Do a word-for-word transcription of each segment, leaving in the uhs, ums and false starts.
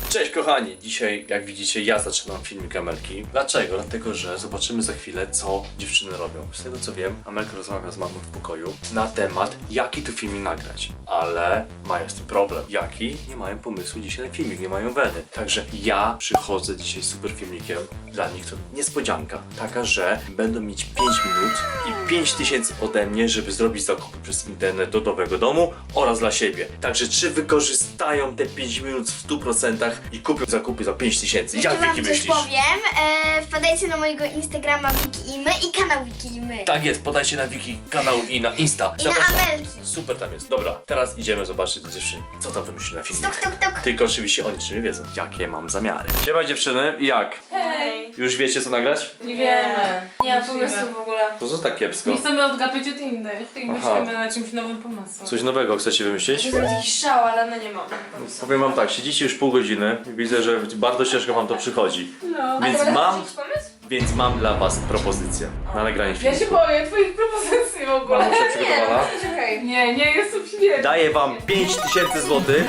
Cześć kochani, dzisiaj jak widzicie ja zaczynam filmik Amelki. Dlaczego? Dlatego, że zobaczymy za chwilę co dziewczyny robią. Z tego co wiem, Amelka rozmawia z mamą w pokoju na temat jaki tu filmik nagrać. Ale mają z tym problem. Jaki? Nie mają pomysłu dzisiaj na filmik, nie mają weny. Także ja przychodzę dzisiaj z super filmikiem. Dla nich to niespodzianka. Taka, że będą mieć pięć minut i pięć tysięcy ode mnie, żeby zrobić zakupy przez internet do nowego domu oraz dla siebie. Także czy wykorzystają te pięć minut w stu procentach i kupią zakupy za pięć tysięcy? Jeszcze Jak wam Wiki coś myślisz? powiem, e, wpadajcie na mojego Instagrama Wiki i my i kanał Wiki i my. Tak jest, podajcie na Wiki kanał i na Insta. I na Amelki. Super tam jest. Dobra, teraz idziemy zobaczyć do dziewczyny, co tam wymyśli na filmie. Tok, tok, tok. Tylko oczywiście oni jeszcze nie wiedzą, jakie mam zamiary. Siema dziewczyny, jak? Hej! Już wiecie co nagrać? Nie wiemy. Nie ma pomysłu w ogóle. To co tak kiepsko? Nie chcemy odgapić od innych i Aha. myślimy na czymś nowym pomysłem. Coś nowego chcecie wymyślić? To jest jakiś szał, ale no nie mamy. Powiem wam tak, siedzicie już pół godziny i widzę, że bardzo ciężko wam to przychodzi. No. Więc mam, pomysł? więc mam dla was propozycję na nagranie Ja się filmu. boję twoich propozycji w ogóle. Mamusia przygotowana? Czekaj. Nie, nie, jestem świetna. Daję wam pięć tysięcy złotych,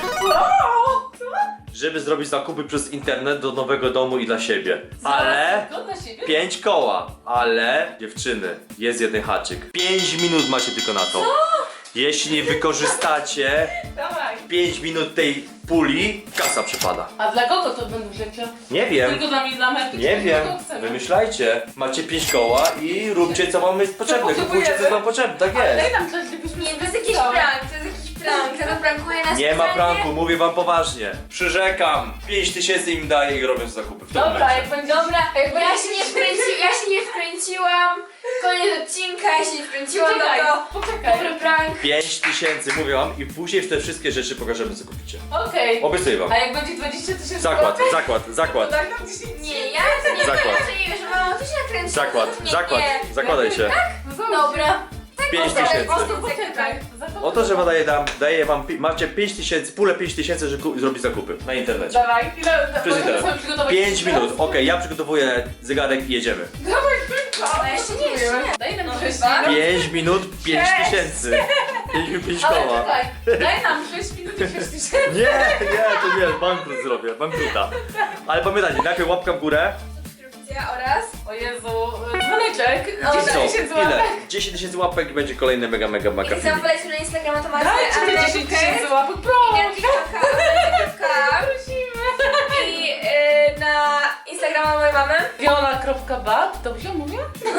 żeby zrobić zakupy przez internet do nowego domu i dla siebie. Ale Zgoda siebie? pięć koła. Ale dziewczyny, jest jeden haczyk. pięć minut macie tylko na to. Jeśli nie wykorzystacie Dawaj. pięć minut tej puli, kasa przepada. A dla kogo to będą rzeczy? Nie wiem. Tylko dla mnie, dla Merki? Nie czy wiem, kogo chcemy? wymyślajcie. Macie pięć koła i róbcie co wam jest potrzebne. Kupujcie co wam potrzebne, tak Daj jest. nam coś, żebyśmy Nie, to jest sobie jakiś cały. prank, to jest jakiś prank, to prankuje nas Nie ma specjalnie. pranku, mówię wam poważnie. Przyrzekam, pięć tysięcy im daję i robią zakupy w tym Dobra, momencie. jak będzie... Dobra, ja się nie wkręci, ja się nie wkręciłam. Koniec odcinka, ja się nie wkręciłam, Poczekaj, no to poczekaj. dobry prank. pięć tysięcy, mówię wam, i później te wszystkie rzeczy pokażemy co kupicie. Okej. Obiecuję wam. A jak będzie dwadzieścia tysięcy Zakład, złotych, zakład, to zakład. daj nam dziesięć. Nie, ja to nie Zakład. ja to nie wiesz, mamo, ty się nakręciłaś. Zakład, nie, zakład, nie. zakładaj się. No zobacz. Dobra. pięć Dobra, tysięcy. po prostu Poczekaj. Oto, że daję, dam, daję wam, pi- macie pięć tysięcy, pulę pięć tysięcy, żeby ku- zrobić zakupy na internecie. Dawaj, ile Przez możemy internet. sobie przygotować pięć teraz? minut, okej, ja przygotowuję zegarek i jedziemy. Dawaj, szybko. A jeszcze nie, jeszcze nie. Daj nam No sześć chyba. minut. pięć minut, pięć Sześć. tysięcy. pięć minut, pięć Ale koła. czekaj, daj nam sześć minut i sześć tysięcy. Nie, nie, to nie, bankrut zrobię, bankruta. Ale pamiętajcie, najpierw łapka w górę. Subskrypcja oraz... O Jezu, dzwoneczek. No, dziesięć Co? tysięcy Ile? łapek. dziesięć tysięcy łapek i będzie kolejny mega, mega, mega I filmik. zamknęliśmy na Instagrama, to macie Dajcie te Amelkę dziesięć tysięcy łapek, proszę. i na TikToka, Amelka Prosimy. i y, na Instagrama mojej mamy Viola.bat, dobrze mówię?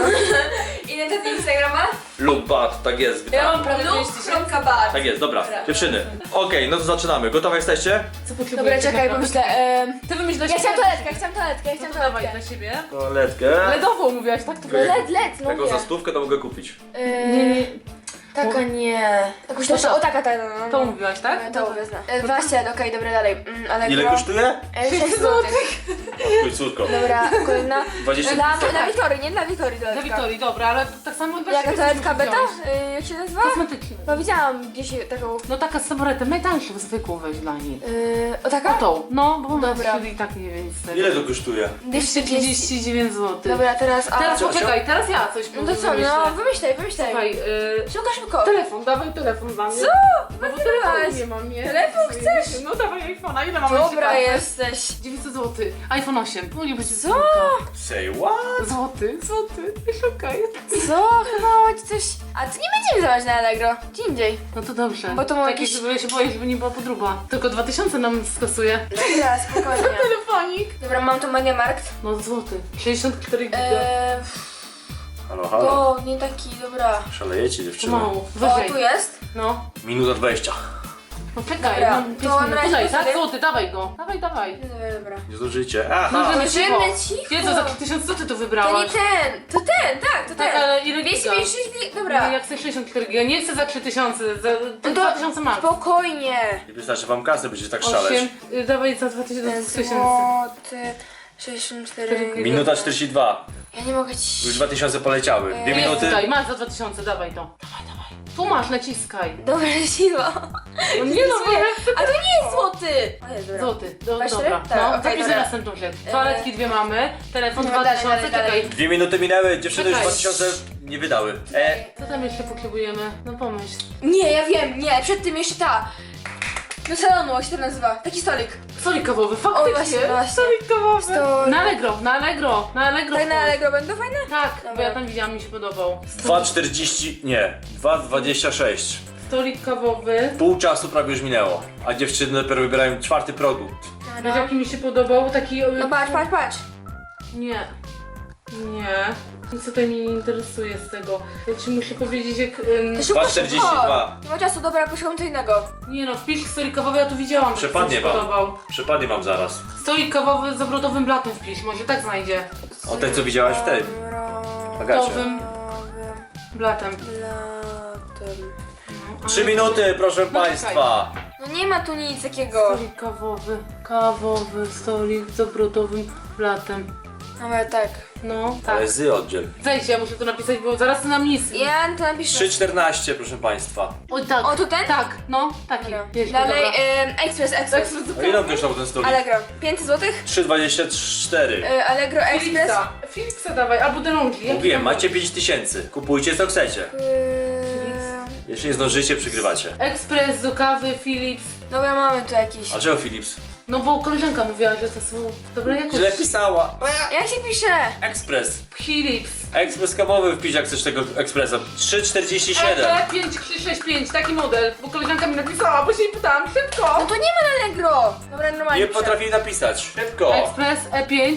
i na taty Instagrama Lub bat, tak jest. Ja mam prawie pięć tysięcy. lub.bat. Tak jest, dobra, Dobra. dziewczyny. Okej, no to zaczynamy. Gotowe jesteście? Co potrzebujesz? Dobra, czekaj, tak pomyślę. naprawdę? em, Ty wymyśl dla Ja siebie. chciałam toaletkę, ja chciałam toaletkę, ja No chciałam to dawaj toaletkę. dla siebie. Toaletkę. Ledową mówiłaś, tak? To Okej. Led, led, no Taką nie. za stówkę to mogę kupić. Yy, Nie, nie, Taka nie. Jakąś To lepszą, to. o taka, ta, no, no. to mówiłaś, tak? E, To wezmę. E, dwadzieścia, okej, dobra, dalej. Mm, ale Ile kosztuje? sześć złotych. Oj, córko. Dobra, kolejna. dwadzieścia Dla, tysięcy. dla Wiktorii, nie dla Wiktorii Dla toaletka. Wiktorii, dobra, ale tak samo dla Jaka siebie toaletka coś beta? wziąłeś. Y, jak się nazywa? Kosmetyczna. No widziałam gdzieś taką. No taka z samoretem, najtańszą zwykłą weź dla nich. Yy, o O taka? tą, no, bo ona Dobra. i tak nie wiem z tego. Ile to kosztuje? dwieście trzydzieści dziewięć złotych. Dobra, teraz. A... Teraz Co, poczekaj, teraz ja coś No to co, no wymyślę. wymyślaj, wymyślaj. Słuchaj, yy, Szybko, szybko. telefon, dawaj telefon dla mnie. Co? No bo Wyrywałaś. telefonu nie mam, nie? Telefon chcesz? No dawaj iPhone'a, ile mam Dobra jesteś. dziewięćset złotych. iPhone osiem. No nie będzie Co? Say what? Złoty, złoty. Szukaj. Co? Chyba macie coś. A ty nie będziemy zdawać na Allegro. Gdzie indziej. No to dobrze. Bo to ma Takie, jakiś- żeby ja się boję, żeby nie była podróba. Tylko dwa tysiące nam skasuje. Dobra, spokojnie. Telefonik. Dobra, mam tu Mediamarkt. No złoty. sześćdziesiąt cztery giga. Eee, Halo, halo. to nie taki, dobra. Szalejecie dziewczyny. Pomału. O, Wyżej. tu jest. No. Minuta dwadzieścia. No czekaj, Dobra, mam to pięć minut. na razie Tutaj, to tak? sobie- Złoty, dawaj go. Dawaj, dawaj. Dobra, dobra. Nie zużycie. Aha. Możemy Możemy cicho. cicho. Jezu, za tysiąc co ty tu To nie wybrałaś? ten, to ten, tak, to Tak, ten. ale ile dwieście giga? pięćdziesiąt sześć giga, No, dobra. jak chcesz sześćdziesiąt cztery giga, nie chcę za trzy tysiące, za No dwa tysiące max. Spokojnie. Nie wystarczy wam kasy, będziecie tak szaleć. osiem, y, dawaj za dwa tysiące. Złoty, sześćdziesiąt cztery. Minuta czterdzieści dwa. Ja nie mogę ci... Już dwa tysiące poleciały. Dwie Eee, minuty. Tutaj, masz za dwa tysiące, dawaj to. Dawaj, dawaj. Tu masz, naciskaj. Dobra, siła. No nie no, bo jak A to nie jest złoty. O jest, dobra. Złoty, do, Dwa, cztery? dobra. Tak, No, okej, zapisz dobra. następną rzecz. Toaletki dwie mamy, telefon No, dwa dalej, tysiące, dalej, dalej. czekaj. Dwie minuty minęły, dziewczyny już Czekaj. dwa tysiące nie wydały. E, Co tam jeszcze potrzebujemy? No pomyśl. Nie, ja wiem, nie, przed tym jeszcze ta. Do salonu, jak się to nazywa? Taki stolik. Stolik kawowy, O, faktycznie. właśnie, właśnie. Stolik kawowy. Stolik. Na Allegro, na Allegro, na Allegro. Tak na wchodź. Allegro będą fajne? Tak, bo Dobra. ja tam widziałam, mi się podobał. dwa czterdzieści, nie, dwa dwadzieścia sześć. Stolik kawowy. Pół czasu prawie już minęło, a dziewczyny dopiero wybierają czwarty produkt. Wiesz jaki mi się podobał? Taki... No patrz, patrz, patrz. Nie. Nie. Nic tutaj mnie nie interesuje z tego. Ja ci muszę powiedzieć jak... Ym... Szybko, dwa czterdzieści dwa. szybko. Nie ma czasu, dobra, poszukam co innego. Nie no, wpisz stolik kawowy, ja tu widziałam, że Przepadnie mi się wam. podobał. Przepadnie wam zaraz. Stolik kawowy z obrotowym blatem wpisz, może tak znajdzie. O ten co widziałaś wtedy. Agacie. Obrotowym blatem. Latem. No, Trzy minuty, proszę No państwa. No nie ma tu nic takiego. Stolik kawowy, kawowy, stolik z obrotowym blatem. Dobra, tak. No, tak. Ale zy oddziel. Zejdź, ja muszę to napisać, bo zaraz nam nic. Ja to napiszę. trzy czternaście, proszę państwa. Oj, tak. O, to ten? Tak, no, taki. Dobra. Jeźdź, Dalej, dobra. em, Express, Express. A ile on kosztował ten stolik? Allegro. pięćset złotych? trzy dwadzieścia cztery. E, Allegro Express. Philipsa, Philipsa dawaj, albo DeLonghi. jaki Mówiłem, tam- macie pięć tysięcy. Kupujcie co chcecie. Eee, Jeśli nie zdążycie, przegrywacie. Ekspres do kawy, Philips. Dobra, mamy tu jakiś. A czego Philips? No bo koleżanka mówiła, że to są dobre jakości. Źle pisała. Jak się pisze? Ekspres. Philips. Ekspres kawowy wpisz jak chcesz tego ekspresa. trzy czterdzieści siedem. E pięć trzy sześć pięć, taki model, bo koleżanka mi napisała, bo się jej pytałam, No szybko. to nie ma na Allegro. Dobra, normalnie Nie piszę. potrafili napisać. Szybko. Ekspres E pięć,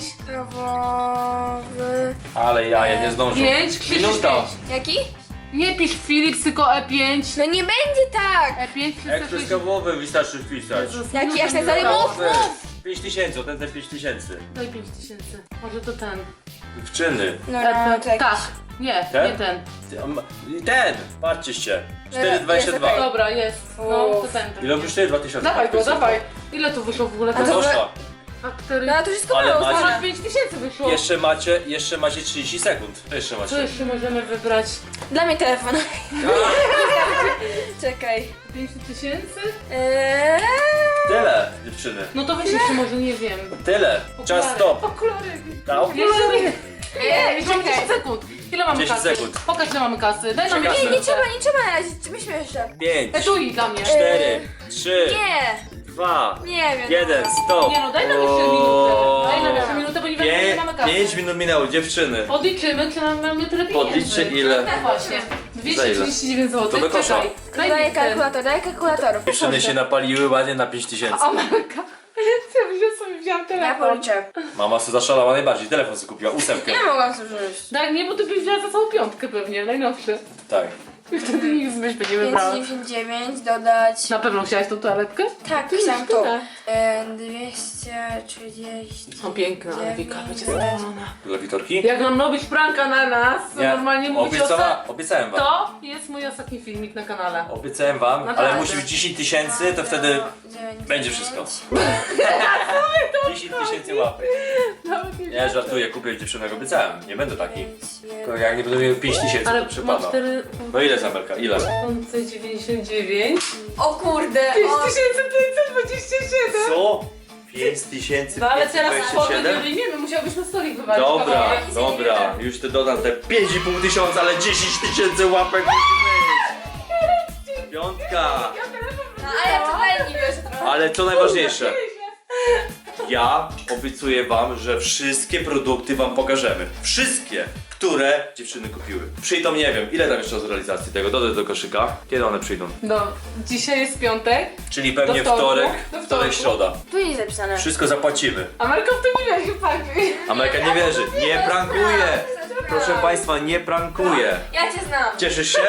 Kawowy. Ale ja, ja nie zdążę. pięć trzy sześć Minuta. pięć. Jaki? Nie pisz Philips, tylko E pięć. No nie będzie tak. E pięć trzy Ekspres sześć kawowy wystarczy wpisać. Jaki, jak najdalej mów, mów. pięć tysięcy, ten ten pięć tysięcy. Daj pięć tysięcy, może to ten. Dziewczyny. No, E, no, to jakiś. tak, nie, Ten? nie ten. Ten! Patrzcie się. cztery dwadzieścia Jest dwa. Dobra, jest, no to ten. ten. Ile kosztuje? dwa tysiące. Dawaj go, dawaj. Ile tu wyszło w ogóle? A to To Poszła. cztery. No to wszystko Ale było macie- ustawione. Ponad pięć tysięcy wyszło. Jeszcze macie, jeszcze macie trzydzieści sekund. To jeszcze Co macie. jeszcze możemy wybrać? Dla mnie telefon. Czekaj. pięć tysięcy? Eee... Tyle, dziewczyny. No to weź jeszcze może, nie wiem. Tyle. Czas stop. Okulary. Ta, Jeszcze nie. Eee, Jeszcze mamy czekaj. dziesięć sekund. Ile mamy dziesięć kasy? sekund. Pokaż ile mamy kasy. Daj nam Czekaj. Nie, nie minutę. trzeba, nie trzeba na razie. Myśmy jeszcze. pięć, Etui dla mnie. cztery, trzy, Nie. dwa, Nie wiem. jeden, stop. Nie no, daj nam jeszcze minutę. Daj nam jeszcze minutę, bo nie wiadomo ile Pię- mamy kasy. Pięć minut minęło, dziewczyny. Podliczymy, czy nam mamy tyle pieniędzy. Podliczcie ile. No właśnie. dwieście trzydzieści dziewięć To złotych. by koszło. Czekaj. Daj Daj mi ten. kalkulator, daj kalkulator. Dziewczyny się napaliły ładnie na pięć tysięcy. Amelka. Ja wziąłem sobie, wziąłem Ja telefon. policzę. Mama sobie zaszalała najbardziej, telefon sobie kupiła, ósemkę. Nie mogłam sobie wziąć. Tak, nie, bo ty byś wzięła za całą piątkę pewnie, najnowszy. Tak. I wtedy nikt byś nie wybrała. pięćset dziewięćdziesiąt dziewięć dodać. Na pewno chciałaś tą toaletkę? Tak, Ty chciałam nie to. tyle. E, dwieście trzydzieści. Są piękne, ale Wika będzie zadowolona. Dla Witorki? Jak nam robić pranka na nas, to normalnie mówić o Obiecała, se... obiecałem wam. To jest mój ostatni filmik na kanale. Obiecałem wam, ale Naprawdę. musi być dziesięć tysięcy, to wtedy będzie wszystko. dziesięć tysięcy łapek. Nie, żartuję, kupię dziewczynek, obiecałem. Nie będę taki. Tylko jak nie będę miał pięć tysięcy, Ale to mam przypada. cztery No ile Zamelka? Ile? tysiące dziewięćdziesiąt dziewięć. O kurde. pięć O, tysięcy pięćset dwadzieścia siedem. Co? pięć tysięcy No ale pięćset teraz dwadzieścia kwoty nie siedem? wyjmiemy, musiałbyś na stolik wywalić Dobra, kawałek. dobra, już te dodam te pięć i pół tysiąca, ale dziesięć tysięcy łapek musi być. Piątka. no, ale ja tutaj nie wierzę trochę. Ale co najważniejsze, ja obiecuję wam, że wszystkie produkty wam pokażemy. Wszystkie, które dziewczyny kupiły. Przyjdą, nie wiem, ile tam jeszcze z realizacji tego, dodaj do koszyka. Kiedy one przyjdą? No, dzisiaj jest piątek, Czyli pewnie Do wtorku. wtorek, Do wtorek, wtorku. środa. Tu jest zapisane. Wszystko zapłacimy. a Marko w tym nie wierzy, tak? Amelka nie wierzy, nie prankuje. Proszę państwa, nie prankuje. Ja cię znam. Cieszysz się?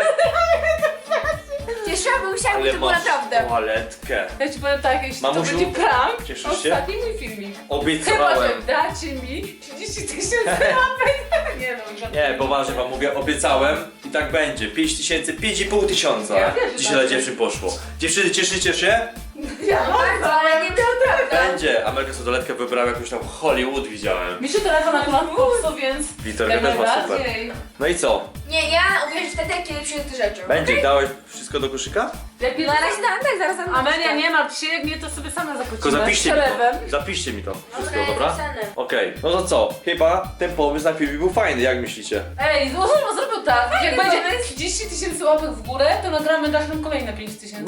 Cieszyłam, bo myślałam, że to było masz naprawdę. toaletkę. Ja ci powiem tak, jeśli Mamusiu, to będzie prank, cieszysz się? ostatni mój filmik. Chyba, że Obiecałem. dacie mi trzydzieści tysięcy łapek. Nie no, Nie, poważnie wam mówię, obiecałem i tak będzie. pięć tysięcy, pięć i pół tysiąca. Ja wierzę, Dzisiaj tak. dla dziewczyn poszło. Dziewczyny, cieszycie się? Ja bardzo, ale nie Dobra, Będzie. Amelka sobie doletkę wybrała jakąś tam Hollywood widziałem. Mi się telefon akurat popsuł, więc... Wiktorka jak też ma super. najbardziej. No i co? Nie, ja uwierzę wtedy, kiedy przyjdę te rzeczy. Będzie. Dałeś wszystko do koszyka? Lepiej Na razie dam, tak, zaraz dam. Amelia, nie martw się, jak nie to sobie sama zapłacimy. Tylko zapiszcie mi to. Przelewem. Zapiszcie mi to wszystko, Dobra, dobra? zapisane. Okej. No to co? Chyba ten pomysł na filmik był fajny, jak myślicie? Ej, złożę, zrobił tak. Jak Fajny będzie trzydzieści tysięcy łapek w górę, to nagramy dasz nam kolejne pięć tysięcy.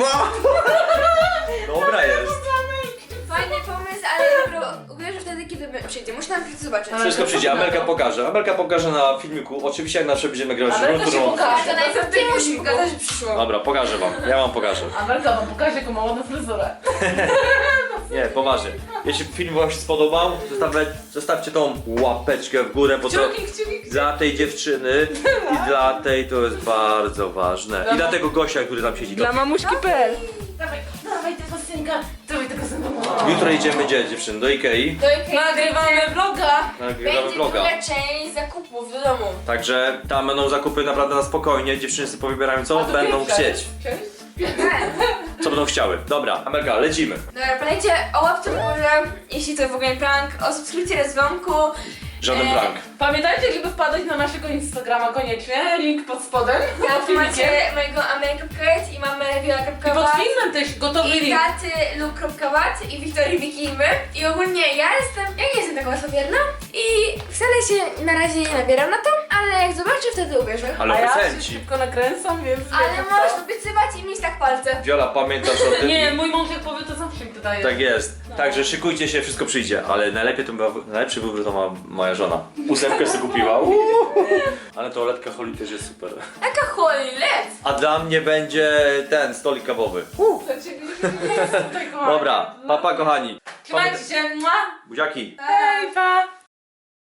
Dobra jest. Fajny pomysł, ale dopiero uwierzę wtedy, kiedy przyjdzie. Muszę najpierw zobaczyć. Ale- Wszystko przyjdzie, Amelka pokaże. Amelka pokaże na filmiku. Oczywiście jak zawsze będziemy grać Amelka grą, się którą... pokaże. To najpierw ty musisz pokazać, że przyszło. Dobra, pokażę wam. Ja wam pokażę. Amelka wam pokaże, jaką ma ładną fryzurę. Nie, poważnie. Jeśli film wam się spodobał, zostawcie, zostawcie tą łapeczkę w górę, bo to Kciuki, kciuki. dla tej dziewczyny i dla tej to jest bardzo ważne. I dla tego gościa, który tam siedzi. To... mamuśki kropka p l. Dawaj, dawaj tego synka. Dawaj tego synka. Jutro idziemy gdzie, dziewczyny? Do Ikei. Do Ikei Nagrywamy vloga. Nagrywamy będzie vloga. druga część zakupów do domu. Także tam będą zakupy naprawdę na spokojnie. Dziewczyny sobie powybierają co A to będą pierwsza. chcieć. Co będą chciały. Dobra, Amelka, lecimy. Dobra, pamiętajcie o łapce w górze, jeśli to w ogóle prank, o subskrypcji oraz dzwonku. Żaden Eee, prank. Pamiętajcie, żeby wpadać na naszego Instagrama koniecznie. Link pod spodem. Tam Pod filmikiem. macie mojego amerykę i mamy I pod wiola.wat filmem też gotowy i link. taty luk.wat i Wiktorii Wikimy. I ogólnie ja jestem, ja nie jestem taka łatwowierna i wcale się na razie nie nabieram na to, ale jak zobaczę, wtedy uwierzę. Ale A ja się obecenci. szybko nakręcam, więc... Ale wiecie możesz co. obiecywać i mieć tak palce. Wiola, pamiętasz o tym? Nie, mój mąż jak powie, to zawsze mi dodaje. Tak jest. Także szykujcie się, wszystko przyjdzie. Ale najlepiej to była, najlepszy wybór to ma moja żona. Ósemkę sobie kupiła. Uuu. Ale toaletka Holly też jest super. Jaka cholet! A dla mnie będzie ten stolik kawowy. Dla ciebie jest tutaj, kochani. Dobra, papa kochani. Trzymajcie się, mua. Buziaki. Hej, pa.